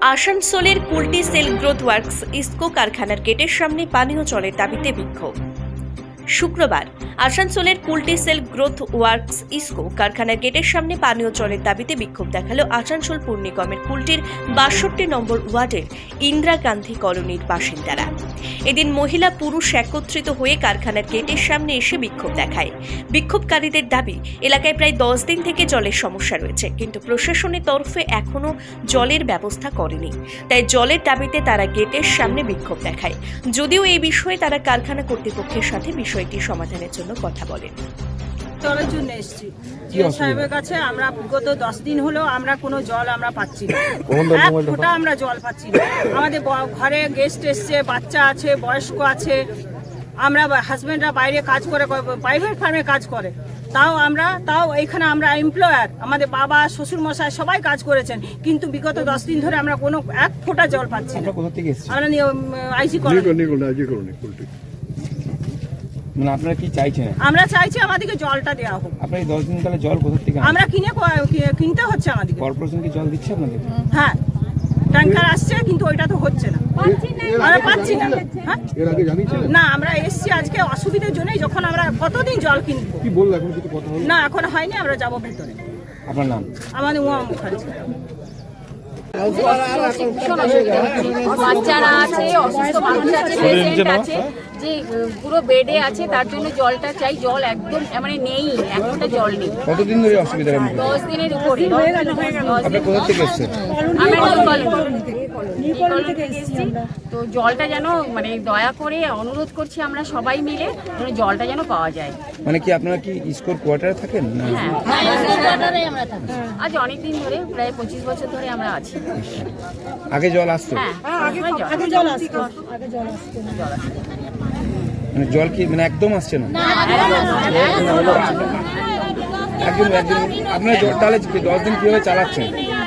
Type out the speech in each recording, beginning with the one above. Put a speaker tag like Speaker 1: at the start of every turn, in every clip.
Speaker 1: আসানসোলের Kulti SAIL growth works IISCO কারখানার গেটের সামনে পানীয় জলের দাবিতে বিক্ষোভ। শুক্রবার আসানসোলের Kulti SAIL growth works IISCO কারখানার গেটের সামনে পানীয় জলের দাবিতে বিক্ষোভ দেখালো আসানসোল পুর নিগমের কুলটির ৬২ নম্বর ওয়ার্ডের ইন্দিরা গান্ধী কলোনির বাসিন্দারা। এদিন মহিলা পুরুষ একত্রিত হয়ে কারখানার গেটের সামনে এসে বিক্ষোভ দেখায়। বিক্ষোভকারীদের দাবি, এলাকায় প্রায় 10 দিন থেকে জলের সমস্যা রয়েছে, কিন্তু প্রশাসনের তরফে এখনো জলের ব্যবস্থা করেনি। তাই জলের দাবিতে তারা গেটের সামনে বিক্ষোভ দেখায়। যদিও এই বিষয়ে তারা কারখানা কর্তৃপক্ষের সাথে বিষয়টি সমাধানের জন্য কথা বলেন।
Speaker 2: জলের জন্য এসেছি জিও সাহেবের কাছে। আমরা বিগত 10 দিন হলো আমরা কোনো জল আমরা পাচ্ছি না, এক ফোঁটা আমরা জল পাচ্ছি না। আমাদের ঘরে গেস্ট এসছে, বাচ্চা আছে, বয়স্ক আছে, আমরা হাজবেন্ডরা বাইরে কাজ করে, প্রাইভেট ফার্মে কাজ করে, তাও এখানে আমরা এমপ্লয়ার, আমাদের বাবা শ্বশুর মশাই সবাই কাজ করেছেন, কিন্তু বিগত 10 দিন ধরে আমরা কোনো এক ফোঁটা জল পাচ্ছি না। আমরা আইসি কলোনি।
Speaker 3: মানে আপনারা কি চাইছেন?
Speaker 2: আমরা চাইছি আমাদেরকে জলটা দেওয়া হোক।
Speaker 3: আপনারা এই 10 দিন কালে জল কোথা থেকে
Speaker 2: আমরা কিনতে হচ্ছে আমাদেরকে।
Speaker 3: কর্পোরেশন কি জল দিচ্ছে আপনাদের?
Speaker 2: হ্যাঁ, ট্যাঙ্কার আসছে, কিন্তু ওইটা তো হচ্ছে না, আমরা পাচ্ছি না।
Speaker 4: এর আগে জানিয়েছিলেন?
Speaker 2: না, আমরা এসছি আজকে অসুবিধার জন্যই। যখন আমরা কতদিন জল কিনবো?
Speaker 4: কি বললো এখন? কিছু কথা হলো
Speaker 2: না, এখন হয়নি, আমরা যাবো ভেতরে।
Speaker 3: আপনার নাম?
Speaker 2: আমাদের উমা মুখার্জি।
Speaker 5: বাচ্চারা আছে, অসুস্থ মানুষ আছে, পেশেন্ট আছে, যে পুরো বেডে আছে, তার জন্য জলটা চাই। জল একদম মানে নেই, একটা জল নেই।
Speaker 3: কতদিন ধরে অসুবিধা?
Speaker 5: 10 দিনের উপরে।
Speaker 3: আপনি কোথা থেকে এসেছেন?
Speaker 5: তো জলটা যেন মানে দয়া করে অনুরোধ করছি আমরা সবাই মিলে, জলটা যেন পাওয়া যায়।
Speaker 3: মানে কি আপনারা কি ইসকোর কোয়ার্টারে থাকেন? না,
Speaker 5: আজ অনেকদিন ধরে, প্রায় 25 বছর ধরে আমরা আছি।
Speaker 3: আগে জল আসতো?
Speaker 5: হ্যাঁ,
Speaker 2: আগে জল আসতো।
Speaker 3: মানে জল কি মানে একদম আসছে না? একদম আপনারা জল তাহলে 10 দিন কিভাবে চালাচ্ছেন?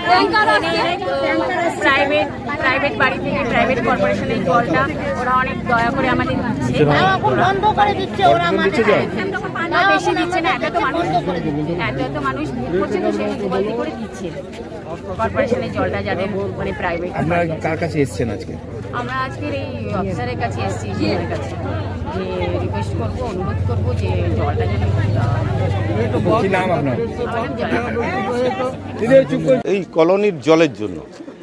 Speaker 5: প্রাইভেট বাড়ি থেকে, প্রাইভেট কর্পোরেশনের জলটা ওরা অনেক দয়া করে আমাদের দিচ্ছে। বেশি দিচ্ছে না, এত মানুষ ভোগ করছে, তো সেই বলতে করে দিচ্ছে কর্পোরেশনের জলটা, যাদের মানে প্রাইভেট।
Speaker 3: আপনারা কার কাছে এসেছেন আজকে?
Speaker 5: আমরা আজকের এই অফিসারের কাছে এসেছি, জিএমের কাছে, যে রিকোয়েস্ট করবো, অনুরোধ করবো যে জলটা যেন।
Speaker 3: কি নাম আপনার?
Speaker 6: এই কলোনির জলের জন্য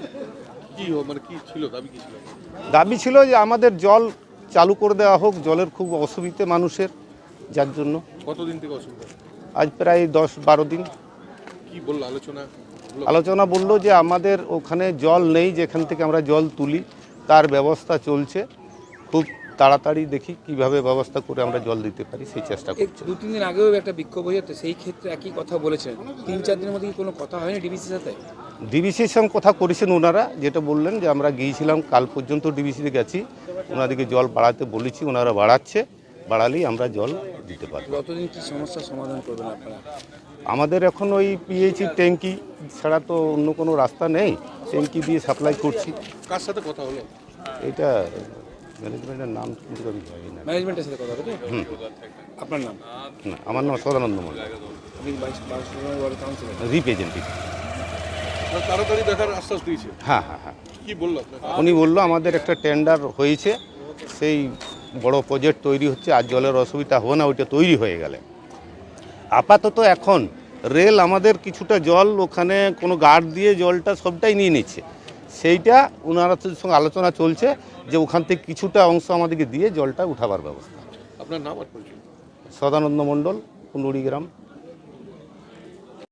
Speaker 6: দাবি ছিল যে আমাদের জল চালু করে দেওয়া হোক। জলের খুব অসুবিধে মানুষের, যার জন্য।
Speaker 4: কতদিন থেকে অসুবিধা?
Speaker 6: আজ প্রায় 10-12 দিন।
Speaker 4: কি বললো
Speaker 6: আলোচনা বললো যে আমাদের ওখানে জল নেই, যেখান থেকে আমরা জল তুলি, তার ব্যবস্থা চলছে। খুব তাড়াতাড়ি দেখি কিভাবে ব্যবস্থা করে আমরা জল দিতে পারি, সেই চেষ্টা করছি।
Speaker 3: 2-3 দিন আগেও একটা বিক্ষোভ হয়েছে, সেই ক্ষেত্রে একই কথা বলেছেন। 3-4 দিনের মধ্যে কি কোনো কথা হয়নি ডিবিসির সাথে?
Speaker 6: ডিবিসির সঙ্গে কথা করেছেন ওনারা, যেটা বললেন যে আমরা গিয়েছিলাম, কাল পর্যন্ত ডিবিসিতে গেছি, ওনাদেরকে জল বাড়াতে বলেছি, ওনারা বাড়াচ্ছে, বাড়ালেই আমরা জল দিতে পারি।
Speaker 3: কতদিন কি সমস্যার সমাধান করবেন আপনারা?
Speaker 6: আমাদের এখন ওই পিএইচি ট্যাঙ্কি ছাড়া তো অন্য কোনো রাস্তা নেই, ট্যাঙ্কি দিয়ে সাপ্লাই করছি।
Speaker 4: কার সাথে কথা হলো?
Speaker 6: এটা ম্যানেজমেন্টের নাম কিন্তু আমি জানি না।
Speaker 3: ম্যানেজমেন্টের সাথে কথা বলতে? আপনার নাম?
Speaker 6: না, আমার নাম সদানন্দ মন্ডল,
Speaker 3: আপনি ওয়ার্ড কাউন্সিলর,
Speaker 6: রিপ্রেজেন্টেটিভ।
Speaker 4: তাড়াতাড়ি দেখার আশ্বাস দিয়েছে?
Speaker 6: হ্যাঁ।
Speaker 4: কি বললো আপনাকে?
Speaker 6: উনি বললো আমাদের একটা টেন্ডার হয়েছে, সেই বড় প্রজেক্ট তৈরি হচ্ছে, আর জলের অসুবিধা হবে না, ওইটা তৈরি হয়ে গেলে। আপাতত এখন রেল আমাদের কিছুটা জল ওখানে কোনো গার্ড দিয়ে জলটা সবটাই নিয়ে নিচ্ছে, সেইটা ওনারা সঙ্গে আলোচনা চলছে যে ওখান থেকে কিছুটা অংশ আমাদেরকে দিয়ে জলটা উঠাবার ব্যবস্থা।
Speaker 4: আপনার নাম আর পরিচয়?
Speaker 6: সদানন্দ মন্ডল, কুন্ডুড়ি গ্রাম।